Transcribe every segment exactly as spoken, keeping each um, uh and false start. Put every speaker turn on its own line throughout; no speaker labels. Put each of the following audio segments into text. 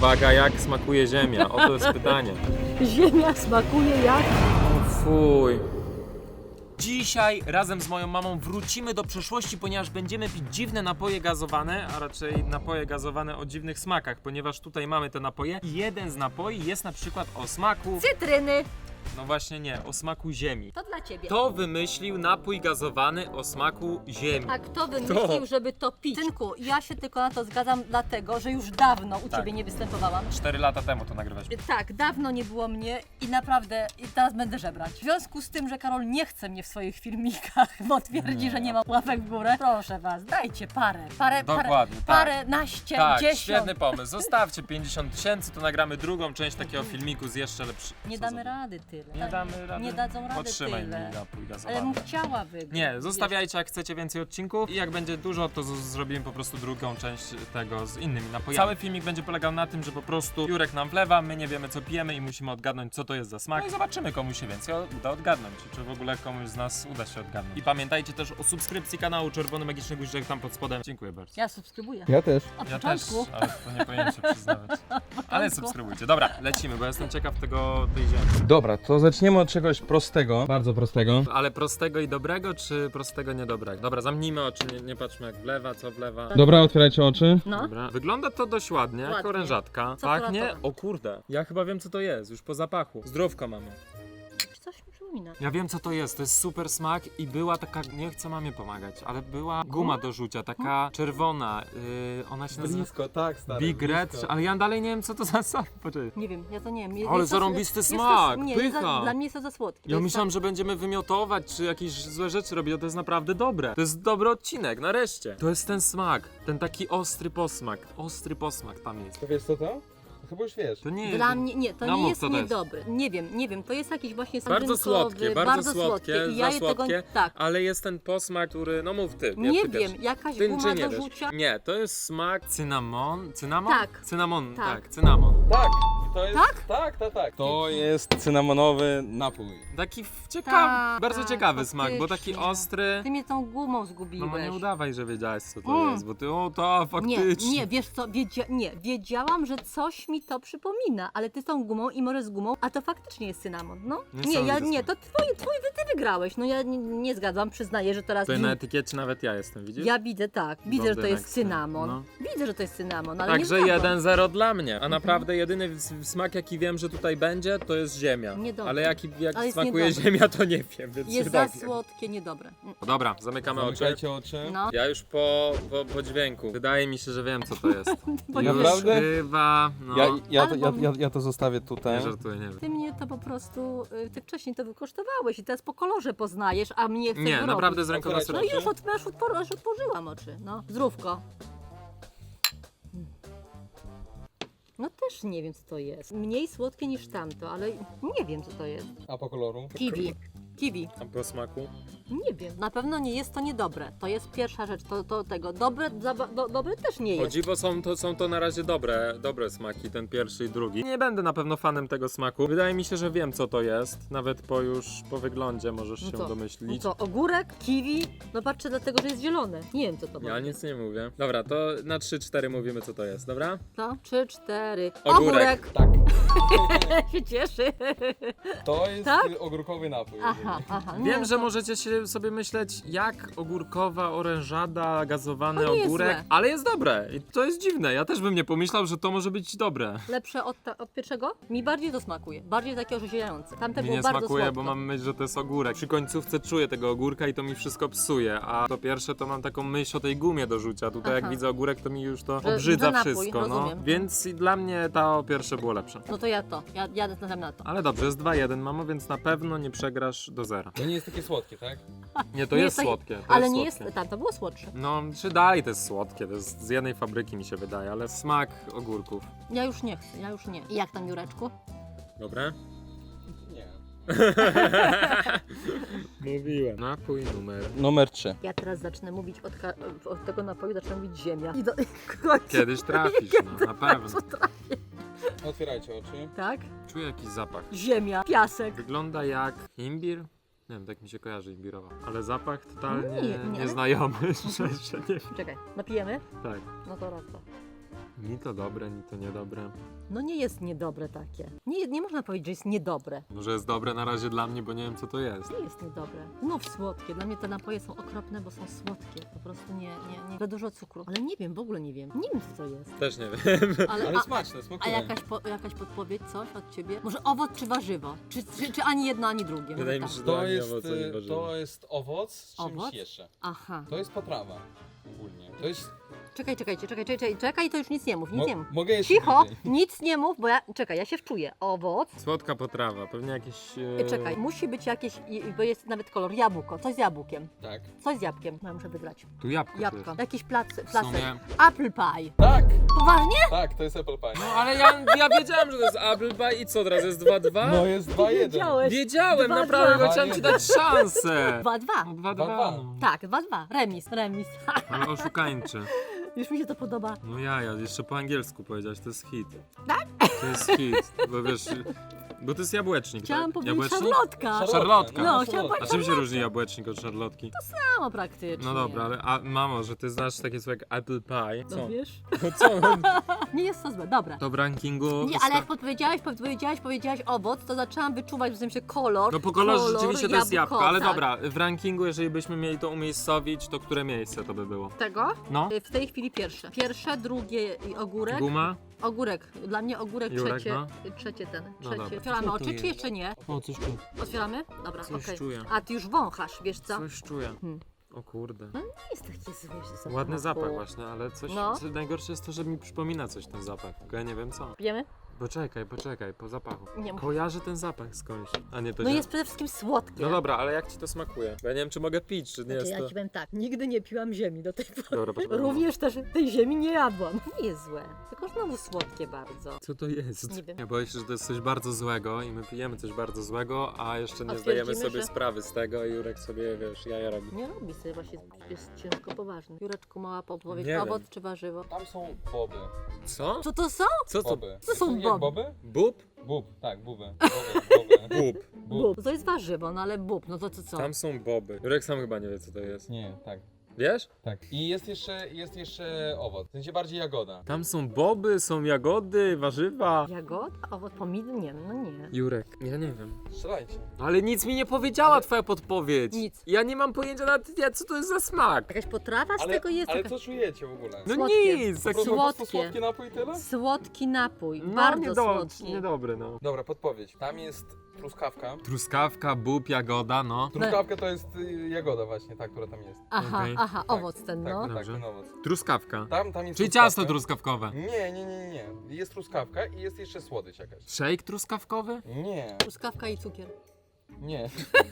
Uwaga, jak smakuje ziemia? Oto jest pytanie.
Ziemia smakuje jak...
Fuj. Dzisiaj razem z moją mamą wrócimy do przeszłości, ponieważ będziemy pić dziwne napoje gazowane, a raczej napoje gazowane o dziwnych smakach, ponieważ tutaj mamy te napoje i jeden z napoi jest na przykład o smaku...
Cytryny.
No właśnie nie, o smaku ziemi.
To dla ciebie.
Kto wymyślił napój gazowany o smaku ziemi?
A kto wymyślił, żeby to pić? Synku, ja się tylko na to zgadzam dlatego, że już dawno u
Tak.
ciebie nie występowałam.
Cztery lata temu to nagrywać.
Tak, dawno nie było mnie i naprawdę i teraz będę żebrać. W związku z tym, że Karol nie chce mnie w swoich filmikach, bo twierdzi,
Nie.
że nie ma łapek w górę, proszę was, dajcie parę, parę, parę,
Dokładnie, tak.
parę, naście,
Tak,
dziesiąt.
świetny pomysł. Zostawcie pięćdziesiąt tysięcy, to nagramy drugą część takiego filmiku z jeszcze lepszy.
Nie
Co
damy
za-
rady tyle.
Nie damy rady.
Nie dadzą rady
Podtrzymaj
tyle.
mi napój
Ale
gazowany.
bym chciała wygrać.
Nie, zostawiajcie jak chcecie więcej odcinków i jak będzie dużo, to z- zrobimy po prostu drugą część tego z innymi napojami. Cały filmik będzie polegał na tym, że po prostu Jurek nam wlewa, my nie wiemy co pijemy i musimy odgadnąć co to jest za smak. No i zobaczymy komu się więcej uda odgadnąć, czy w ogóle komuś z nas uda się odgadnąć. I pamiętajcie też o subskrypcji kanału Czerwony Magiczny Guziczek tam pod spodem. Dziękuję bardzo.
Ja subskrybuję.
Ja też.
Od
Ja też,
początku.
ale to nie powinien się przyznawać. Ale subskrybujcie. Dobra, lecimy, bo jestem ciekaw tego, tej ziemi.
Dobra, to zaczniemy od czegoś prostego, bardzo prostego.
Ale prostego i dobrego, czy prostego niedobrego? Dobra, zamknijmy oczy, nie, nie patrzmy jak wlewa, co wlewa.
Dobra, otwierajcie oczy.
No.
Dobra. Wygląda to dość ładnie, jak
Ładnie.
orężatka.
Co
Pachnie,
kolorowe?
o kurde, ja chyba wiem co to jest, już po zapachu. Zdrówko mamy.
Coś mi przypomina.
Ja wiem co to jest, to jest super smak i była taka, nie chcę mamie pomagać, ale była guma do rzucia, taka czerwona, yy, ona się nazywa
Blisko, tak, stary.
Big Red, ale ja dalej nie wiem co to za smak. Poczekaj.
Nie wiem, ja to nie wiem. Je-
Ale
jest to-
zarąbisty
jest
smak,
to, nie, jest za,
pycha.
dla mnie jest to za słodkie.
Ja
Jest
myślałem,
tak-
że będziemy wymiotować, czy jakieś złe rzeczy robić, a to jest naprawdę dobre. To jest dobry odcinek, nareszcie. To jest ten smak, ten taki ostry posmak, ostry posmak tam jest.
To wiesz co to? Chyba już wiesz.
To nie
Dla mnie, nie, to
No
nie
mów,
jest
co to jest.
niedobry. Nie wiem, nie wiem, to jest jakiś właśnie
Bardzo
sardynkowy,
słodkie, bardzo, słodkie,
I ja
za
je
słodkie,
tego, tak,
ale jest ten posmak, który, no mów ty.
nie
ty
wiem,
pierwszy.
jakaś
Ty
guma
czy nie
do
wiesz?
rzucia.
Nie, to jest smak cynamon, cynamon?
Tak.
Cynamon, tak,
Tak.
cynamon.
Tak, to jest.
Tak?
Tak, tak, tak. To jest cynamonowy napój.
Taki w- ciekawy,
Tak,
bardzo
tak,
ciekawy smak, bo taki
faktycznie.
ostry.
Ty mnie tą gumą
No
zgubiłeś.
bo nie udawaj, że wiedziałeś co to
Mm.
jest, bo ty, o to faktycznie.
Nie, nie, wiesz co, wiedzia nie, wiedziałam, że coś mi to przypomina, ale ty z tą gumą i może z gumą, a to faktycznie jest cynamon, no. Nie, ja
Niesamowity
nie,
smak.
to twoje, twoje, ty wygrałeś, no ja nie, nie zgadzam, przyznaję, że teraz
Tutaj na etykiecie nawet ja jestem, widzisz?
ja widzę tak, widzę, że to
Blondynek
jest
z-
cynamon,
no.
widzę, że to jest cynamon, ale
Także
nie zgadzam.
jeden zero dla mnie, a naprawdę jedyny w- smak jaki wiem, że tutaj będzie, to jest ziemia.
Niedobry.
Ale jaki, jak
Ale jest
smakuje
niedobry.
ziemia, to nie wiem, więc
Jest
się
za
dowiem.
słodkie, niedobre. Mm.
No dobra, zamykamy oczy.
Zamykajcie oczy.
No,
Ja już po, po, po dźwięku. Wydaje mi się, że wiem co to jest.
Bo
Już
Naprawdę?
chyba, no.
Ja, ja, to,
Ale
ja,
bo-
ja, ja to zostawię tutaj.
Nie żartuję, nie wiem.
ty mnie to po prostu, y, ty wcześniej to wykosztowałeś i teraz po kolorze poznajesz, a mnie chcesz
Nie,
wyrobić.
naprawdę z ręką na
Otwierajcie
sercu.
No już, od, już, otwor, już otworzyłam oczy, no. Zdrówko. No też nie wiem co to jest. Mniej słodkie niż tamto, ale nie wiem co to jest.
A po koloru?
Kiwi. Kiwi.
A po smaku?
Nie wiem. Na pewno nie jest to niedobre. To jest pierwsza rzecz. To, to tego. Dobre, za, do, dobre też nie
O
jest.
dziwo są to, są to na razie dobre, dobre smaki, ten pierwszy i drugi. Nie będę na pewno fanem tego smaku. Wydaje mi się, że wiem co to jest. Nawet po już, po wyglądzie możesz
No
się
co? No
domyślić.
co, ogórek, kiwi? No patrzę dlatego, że jest zielone. Nie wiem co to
Ja
będzie.
nic nie mówię. Dobra, to na trzy cztery mówimy co to jest, dobra?
To? Trzy, cztery.
Ogórek.
Tak.
się cieszy.
To jest
Tak?
ogórkowy napój.
Aha, aha.
Wiem,
no
że
to-
możecie się sobie myśleć, jak ogórkowa orężada, gazowany
To nie jest
ogórek,
złe.
ale jest dobre. I to jest dziwne. Ja też bym nie pomyślał, że to może być dobre.
Lepsze od, ta, od pierwszego? Mi bardziej to smakuje. Bardziej takie orzeźwiające. Tamte
Mi
było
nie
bardzo
smakuje,
słodko.
bo mam myśl, że to jest ogórek. Przy końcówce czuję tego ogórka i to mi wszystko psuje, a to pierwsze to mam taką myśl o tej gumie do rzucia. Tutaj jak
Aha.
widzę ogórek, to mi już to
Że-
obrzydza
że napój,
wszystko, no.
rozumiem.
Więc i dla mnie to pierwsze było lepsze.
No to ja to. Ja jadę na to.
Ale dobrze, jest dwa jeden, mamo, więc na pewno nie przegrasz do zera.
To nie jest takie słodkie, tak?
Nie, to
Nie
jest
tak-
słodkie. To
Ale
jest
nie
słodkie.
jest. Tam to było słodsze.
No, czy dalej to jest słodkie, to jest z jednej fabryki mi się wydaje, ale smak ogórków.
Ja już nie chcę, ja już nie. I jak tam, Jureczku?
Dobre?
Nie.
Mówiłem. Napój numer.
Numer trzy.
Ja teraz zacznę mówić od, ka- od tego napoju, zacznę mówić ziemia. I do w końcu-
Kiedyś trafisz, no, na pewno.
Co trafię.
Otwierajcie oczy.
Tak?
Czuję jakiś zapach.
Ziemia, piasek.
Wygląda jak imbir. Nie wiem, tak mi się kojarzy imbirowa. Ale zapach totalnie
Nie, nie, ale-
nieznajomy, szczerze nie wiem.
Czekaj, napijemy?
Tak.
No to raz to.
Ni to dobre, ni to niedobre.
No nie jest niedobre takie. Nie, nie można powiedzieć, że jest niedobre.
Może jest dobre na razie dla mnie, bo nie wiem co to jest.
Nie jest niedobre. Znów słodkie. Dla mnie te napoje są okropne, bo są słodkie. Po prostu nie, nie, nie. Za dużo cukru. Ale nie wiem, w ogóle nie wiem. Nie wiem, co to jest.
Też nie wiem.
Ale,
Ale
a,
smaczne,
a
smakuje.
jakaś, po, jakaś podpowiedź, coś od ciebie? Może owoc czy warzywo? Czy, czy, czy ani jedno, ani drugie? Może
Wydaje mi
tak.
się, że
To
ani
jest,
owoce, ani
y,
warzywa.
to jest owoc z czymś
Owoc?
jeszcze.
Aha.
To jest potrawa ogólnie. To jest...
Czekaj, czekajcie, czekaj, czekaj, czekaj, to już nic nie mów, nic
Mo-
nie mów.
mogę jeszcze
Cicho,
bliżej.
nic nie mów, bo ja, czekaj, ja się wczuję. Owoc.
Słodka potrawa, pewnie jakieś... E...
Czekaj, musi być jakieś, i- bo jest nawet kolor jabłko, coś z jabłkiem.
Tak.
Coś z jabłkiem. No, muszę wybrać.
Tu jabłko
Jabłko.
jest.
Jakiś plac,
W
placek.
sumie...
Apple pie.
Tak!
Poważnie?
Tak, to jest apple pie.
No ale ja, ja wiedziałem, że to jest apple pie i co teraz, jest dwa dwa?
No jest dwa jeden.
Wiedziałeś.
Wiedziałem,
Dwa,
naprawdę,
dwa.
bo chciałem ci dać szansę.
dwa dwa.
No dwa
Dwa,
dwa,
dwa.
no.
Tak, dwa dwa. Remis, remis.
Ale oszukańczy.
Już mi się to podoba.
No ja, ja jeszcze po angielsku powiedziałeś, to jest hit.
Tak?
To jest hit, bo wiesz, bo to jest jabłecznik,
Chciałam
tak?
powiedzieć
Jabłecznik?
szarlotka.
Szarlotka.
No, chciałam
szarlotka.
A czym się różni jabłecznik od szarlotki?
Samo praktycznie.
No dobra, ale a, mamo, że ty znasz takie słowo jak apple pie.
No
Co?
wiesz?
No co?
Nie jest to złe, dobra.
To w rankingu...
Nie, ale jak podpowiedziałeś, podpowiedziałeś, powiedziałeś owoc, to zaczęłam wyczuwać w sensie kolor.
No po kolorze
kolor,
rzeczywiście to jest jabłko, ale
tak.
dobra, w rankingu, jeżeli byśmy mieli to umiejscowić, to które miejsce to by było?
Tego?
No?
W tej chwili pierwsze. Pierwsze, drugie i ogórek.
Guma?
Ogórek. Dla mnie ogórek
Jurek,
trzecie.
no.
Trzecie ten.
No
Trzecie.
dobra.
Otwieramy
Co to
oczy,
jest?
czy jeszcze nie?
O, coś czuję.
Otwieramy? Dobra,
Coś
okej.
czuję.
A ty już wąchasz, wiesz co?
Coś czuję.
Hmm.
O kurde.
No nie jest taki zły zapach.
Ładny zapach właśnie, ale coś,
No.
co najgorsze jest to, że mi przypomina coś ten zapach, tylko ja nie wiem co.
Pijemy?
Poczekaj, poczekaj, po zapachu.
Nie mów.
Kojarzę ten zapach skądś, a nie to
No
źle.
jest przede wszystkim słodkie.
No dobra, ale jak ci to smakuje? Bo ja nie wiem, czy mogę pić, czy nie
Znaczy,
jest
ja
to...
ci powiem tak, nigdy nie piłam ziemi do tej pory.
Dobra, poczekaj.
Również też tej ziemi nie jadłam. Nie jest złe, tylko znowu słodkie bardzo.
Co to jest?
Nie wiem.
Ja boję się, że to jest coś bardzo złego i my pijemy coś bardzo złego, a jeszcze nie
A
zdajemy
twierdzimy,
sobie
że-
sprawy z tego i Jurek sobie, wiesz, jaja robi.
Nie robi sobie, właśnie jest ciężko poważny. Jureczku, mała podpowiedź,
Nie
owoc
wiem.
czy warzywo?
Tam są boby.
Co?
Co to są?
Co to?
Boby.
Co są
Jak
boby?
boby?
Bób?
Bób, tak, buby. Boby, boby.
Bób.
Bób. To jest warzywo, no ale bób, no to co co?
Tam są boby. Jurek sam chyba nie wie, co to jest.
Nie, tak.
Wiesz?
Tak. I jest jeszcze, jest jeszcze owoc. W sensie bardziej jagoda.
Tam są boby, są jagody, warzywa.
Jagoda? Owoc, pomidor? Nie, no nie.
Jurek, ja nie wiem.
Strzelajcie.
Ale nic mi nie powiedziała twoja podpowiedź.
Nic.
Ja nie mam pojęcia nawet, ja- co to jest za smak.
Jakaś potrawa z
Ale,
tego jest?
ale
Jakaś...
co czujecie w ogóle?
No
Słodkie.
nic,
Po
tak
prostu, po prostu
słodkie.
słodki napój i tyle?
Słodki napój,
no,
bardzo
niedo-
słodki.
Niedobry, no.
Dobra, podpowiedź. Tam jest truskawka.
Truskawka, bób, jagoda, no.
Truskawka to jest y, jagoda właśnie, ta, która tam jest.
Aha,
Okej.
aha,
Tak,
owoc ten,
Tak,
no.
tak,
Dobrze.
ten owoc.
Truskawka.
Tam, tam jest
Czyli
truskawka.
ciasto truskawkowe.
Nie, nie, nie, nie, nie. Jest truskawka i jest jeszcze słodycz jakaś.
Shake truskawkowy?
Nie,
Truskawka i cukier.
nie,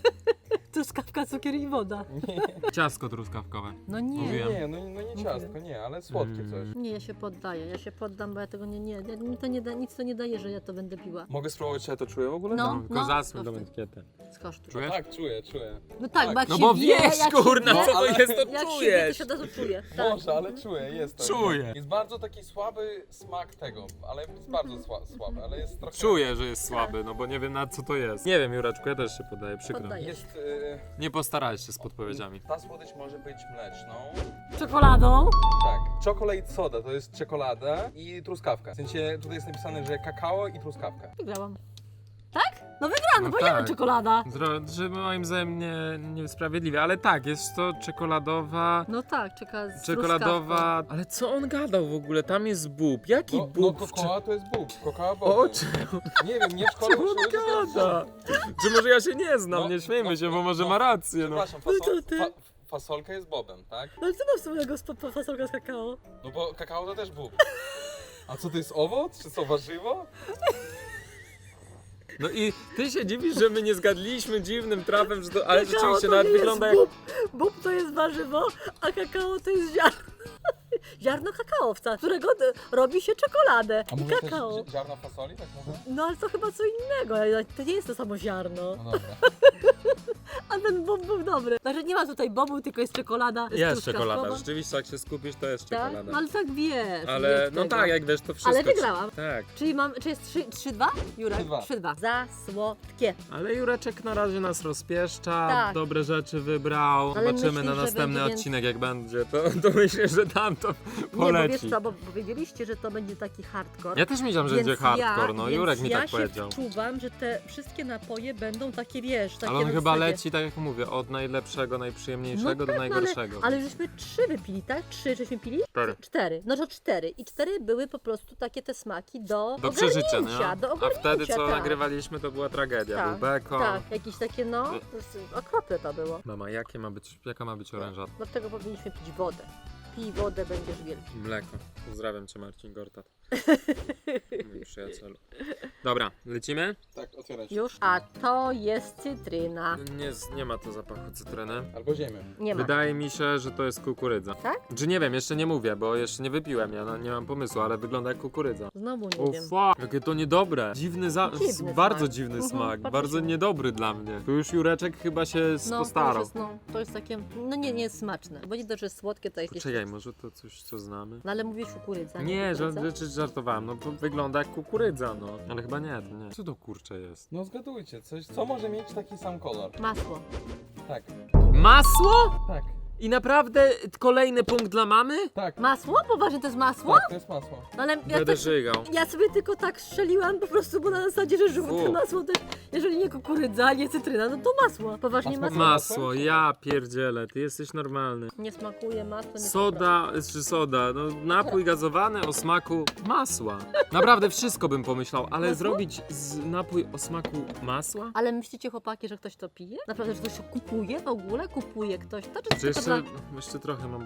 Truskawka, cukier i woda.
nie.
Ciasko truskawkowe.
No
Nie,
nie.
Mówiłem.
nie, no, no nie ciastko, nie, ale słodkie
Mm.
coś.
Nie, ja się poddaję, ja się poddam, bo ja tego nie, nie, ja- mi to nie da, nic to nie daje, że ja to będę piła.
Mogę spróbować, czy ja to czuję w ogóle?
No,
Tylko
no,
zasmy tą
skosztuj.
etykietę.
Skosztuj.
Czujesz?
Tak, czuję, czuję.
No tak,
Tak.
bo jak
No
się
bo
wie,
wiesz,
jak
kurna,
się wie,
co to
ale-
jest, to
jak się wie, to
czujesz.
się od razu czuje. Tak.
Może, ale czuję, jest to.
Czuję.
Jest bardzo taki słaby smak tego, ale jest bardzo sła, słaby, ale jest trochę...
Czuję, że jest słaby, no bo nie wiem na co to jest. Nie wiem, Jureczku, ja też się poddaję, przykro.
Poddaję.
Jest... Y,
Nie postarałeś się z podpowiedziami.
ta słodycz może być mleczną.
Czekoladą?
Tak. Chocolate soda to jest czekolada i truskawka. W sensie tutaj jest napisane, że kakao i truskawka.
Wygrałam. Tak? No wygrałam,
No
bo ja
tak.
czekolada.
Zro- że moim zdaniem nie, niesprawiedliwie, ale tak, jest to czekoladowa...
No tak, czeka z
Czekoladowa... Ale co on gadał w ogóle? Tam jest bób. Jaki
No, no
bób? w cze-
kokoa to jest bób. Kokoa
O
boby.
czym
Nie wiem, nie w szkole
on
uczyły, że to jest
gada? Czy może ja się nie znam,
No,
nie śmiejmy
no,
się, bo
no,
może
no.
ma rację, no.
Przepraszam,
No to
fasol,
ty.
fa, fasolka jest bobem, tak?
No ale co ma wspólnego z pa- fasolką z kakao?
No bo kakao to też bób. A co to jest owoc? Czy co warzywo?
No i ty się dziwisz, że my nie zgadliśmy dziwnym trafem, że to... Ale
Kakao
rzeczywiście
to
nawet
nie
wygląda jak...
jest bób. Bób to jest warzywo, a kakao to jest ziarno. Ziarno kakaowca, z którego d- robi się czekoladę
A
i
może
kakao.
też zi- ziarno fasoli, tak mówię?
No ale to chyba co innego, to nie jest to samo ziarno.
No dobra.
A ten bob był dobry. Znaczy nie ma tutaj bobu, tylko jest czekolada.
Jest
truskawkowa.
czekolada, rzeczywiście jak się skupisz, to jest
Tak?
czekolada.
No ale tak wiesz.
Ale
wiesz
no
tego.
tak, jak wiesz, to wszystko.
Ale wygrałam.
Tak.
Czyli mam, czy jest trzy dwa? Jurek?
trzy dwa.
trzy dwa. Za słodkie.
Ale Jureczek na razie nas rozpieszcza,
Tak.
dobre rzeczy wybrał.
Ale
Zobaczymy
myślisz,
na
że
następny
będzie
odcinek jak będzie, to, to myślę, że tam to
Nie,
poleci.
bo wiesz co, bo powiedzieliście, że to będzie taki hardcore.
Ja też myślałem, że
Więc
będzie hardcore,
ja,
no
więc
Jurek mi
ja
tak powiedział.
Ja się wczuwam, że te wszystkie napoje będą takie, wiesz, takie
Ale on
na
chyba
zasadzie-
leci, tak jak mówię, od najlepszego, najprzyjemniejszego
No
do
tak,
najgorszego.
Ale, ale żeśmy trzy wypili, tak? Trzy żeśmy pili?
Cztery.
Cztery. No to cztery. I cztery były po prostu takie te smaki do
Do przeżycia,
ogarnięcia,
nie?
do
A wtedy
ogarnięcia,
co
tak.
nagrywaliśmy, to była tragedia.
Tak,
Był beko.
Tak, jakieś takie no, po prostu okropne to było.
Mama, jakie ma być, jaka ma być oręża?
Dlatego powinniśmy pić wodę. Pij wodę, będziesz wielki.
Mleko. Pozdrawiam cię, Marcin Gortat. Mój przyjacielu. Dobra, lecimy?
Tak, otwierać.
Już? A to jest cytryna.
Nie, z- nie ma to zapachu cytryny.
Albo ziemię.
Nie ma.
Wydaje mi się, że to jest kukurydza.
Tak?
Czy nie wiem, jeszcze nie mówię, bo jeszcze nie wypiłem, ja no, nie mam pomysłu, ale wygląda jak kukurydza.
Znowu nie
O
wiem.
fuck, jakie to niedobre. Dziwny, za...
Dziwny
s- bardzo
smak.
dziwny
Mhm,
smak,
bardzo
bardzo
dziwny.
niedobry dla mnie. Tu już Jureczek chyba się
No, to już
postarał.
jest, no, to jest takie, no nie, nie jest smaczne. Bo nie to, że jest słodkie, to jakieś...
Poczekaj, może to coś, co znamy?
No ale mówisz kukurydza,
Nie,
kukurydza?
ża- rzeczy żartowałem, no to wygląda jak kukurydza, no. Ale chyba nie, to nie. Co to kurcze jest?
No zgadujcie, coś, co może mieć taki sam kolor?
Masło.
Tak,
Masło?
tak,
I naprawdę kolejny punkt dla mamy?
tak.
Masło? Poważnie to jest masło?
Tak, to jest masło.
No ale ja,
Będę
tak,
żygał.
ja sobie tylko tak strzeliłam po prostu, bo na zasadzie, że żółte
Fu.
masło też, jeżeli nie kukurydza, nie cytryna, no to masło. Poważnie
A
masło.
smakuje?
Masło, ja pierdzielę, ty jesteś normalny.
Nie smakuje masło, nie
Soda, czy soda, no napój gazowany o smaku masła. Naprawdę wszystko bym pomyślał, ale
Masło?
zrobić z napój o smaku masła?
Ale myślicie, chłopaki, że ktoś to pije? Naprawdę, że ktoś to kupuje w ogóle? Kupuje ktoś to? Czy
Czy
tylko
jeszcze,
dla...
jeszcze trochę mam, bo...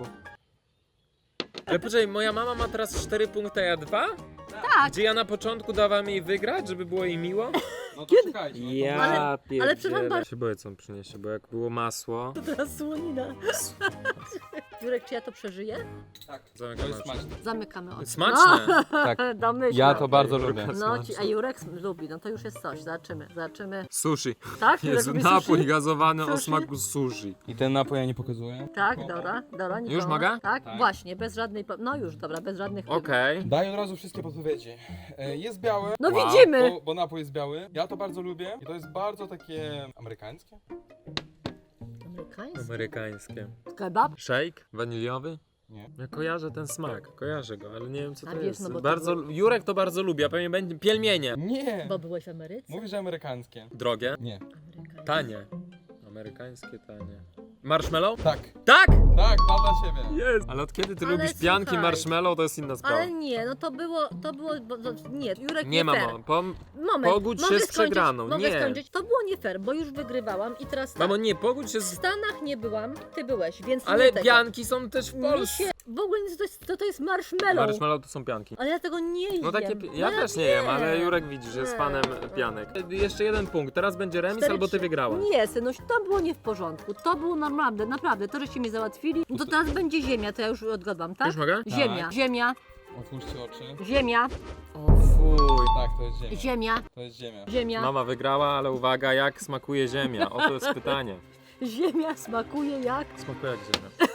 Ale poczekaj, moja mama ma teraz cztery punkty, a ja dwa?
Tak,
Gdzie ja na początku dawałem jej wygrać, żeby było jej miło?
No to czekajcie. No to
Ja
Ale- ale
pierdzielę.
przepraszam bardzo-
się boję, co on przyniesie, bo jak było masło...
to teraz słonina. Jurek, czy ja to przeżyję?
Tak, to
Zamykam
jest
oczy.
smaczne.
Zamykamy oczy.
Smaczne!
Tak.
Domyślam.
Ja to bardzo
Jurka
lubię.
No,
smaczne.
ci, a Jurek sm- lubi, no to już jest coś. Zobaczymy, zobaczymy.
Sushi.
Tak? Jurek
Jest
lubi
napój
sushi?
gazowany o
Sushi?
smaku sushi.
I ten napój ja nie pokazuję.
Tak, dobra, dobra.
Już
nikogo.
mogę?
Tak?
Tak.
Właśnie, bez żadnej... po- No już, dobra, bez żadnych...
Okej.
Daj od razu wszystkie podpowiedzi. E, Jest biały.
No
Wow.
widzimy!
Bo, bo napój jest biały. Ja to bardzo lubię. I to jest bardzo takie amerykańskie.
Amerykański?
Amerykańskie.
Kebab?
Shake? Waniliowy?
Nie.
Ja kojarzę ten smak, kojarzę go, ale nie wiem co
A
to
wiesz,
jest.
no bo to
bardzo,
był-
Jurek to bardzo lubi, a pewnie będzie pielmienie.
Nie.
Bo byłeś w Ameryce?
Mówisz, że amerykańskie.
Drogie?
Nie.
Amerykański.
Tanie. Amerykańskie tanie. Marshmallow?
Tak.
Tak!
Tak, mam dla ciebie.
Jest! Ale od kiedy ty
Ale
lubisz pianki
słuchaj.
marshmallow, to jest inna sprawa.
Ale nie, no to było, to było, bo, to, nie, Jurek nie,
Nie
fair.
mamo, pom...
Moment,
pogódź się
mogę
z
skończyć?
przegraną,
Mogę
nie.
skończyć? To było nie fair, bo już wygrywałam i teraz tak.
Mamo, nie, pogódź się
W
z...
Stanach nie byłam, ty byłeś, więc
Ale
nie tego.
pianki są też w
Mi
Polsce.
się, w ogóle nie, to jest, to, to jest marshmallow.
Marshmallow to są pianki.
Ale ja tego nie jem.
No takie, pi- ja
No
też nie jem, ale Jurek widzisz, jest
Nie.
fanem pianek. Jeszcze jeden punkt, teraz będzie remis
Cztery,
albo ty
trzy.
wygrałaś.
Nie, synuś, to było nie w porządku. To było naprawdę, naprawdę. To, żeście mnie załatwili. No to teraz będzie ziemia, to ja już odgadłam, tak?
Już mogę?
Ziemia,
Tak.
ziemia,
Otwórzcie oczy.
ziemia,
O fuj.
Tak, to jest ziemia.
ziemia,
To jest ziemia.
ziemia.
Mama wygrała, ale uwaga, jak smakuje ziemia? Oto jest pytanie.
Ziemia smakuje jak
Smakuje jak ziemia.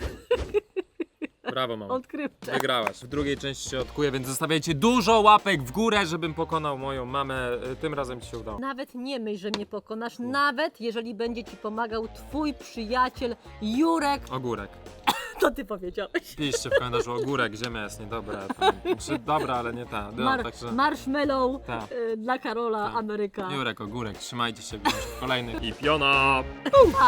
Brawo, mama.
odkrywcze.
Wygrałaś. W drugiej części się odkuję, więc zostawiajcie dużo łapek w górę, żebym pokonał moją mamę. Tym razem ci się udało.
Nawet nie myśl, że mnie pokonasz, nawet jeżeli będzie ci pomagał twój przyjaciel Jurek,
Ogórek.
to ty powiedziałeś.
Piszcie w komentarzu ogórek, ziemia jest niedobra. Tam, czy dobra, ale nie ta. No,
Mar-
także...
marshmallow
Tak.
y, dla Karola,
Tak.
Ameryka.
Jurek, ogórek, trzymajcie się w kolejnych i piona!